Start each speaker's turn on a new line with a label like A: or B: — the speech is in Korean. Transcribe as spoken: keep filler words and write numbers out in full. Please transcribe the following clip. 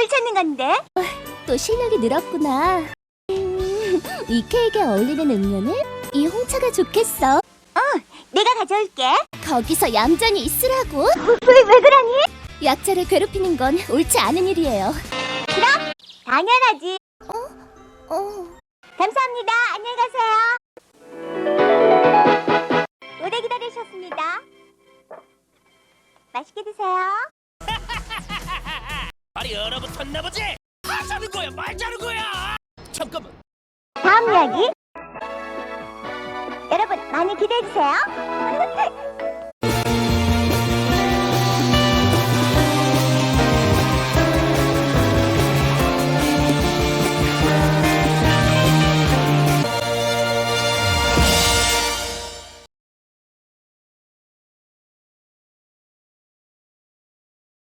A: 뭘 찾는 건데?
B: 또 실력이 늘었구나. 음, 이 케이크에 어울리는 음료는 이 홍차가 좋겠어.
A: 내가 가져올게.
B: 거기서 얌전히 있으라고.
A: 왜, 왜 그러니?
B: 약자를 괴롭히는 건 옳지 않은 일이에요.
A: 당연하지.
B: 어,
A: 감사합니다. 안녕히 가세요. 오래 기다리셨습니다. 맛있게 드세요.
C: 발이 얼어붙었나 보지? 하자는 거야 말자는 거야. 잠깐만.
A: 다음 이야기. 여러분 많이 기대해 주세요.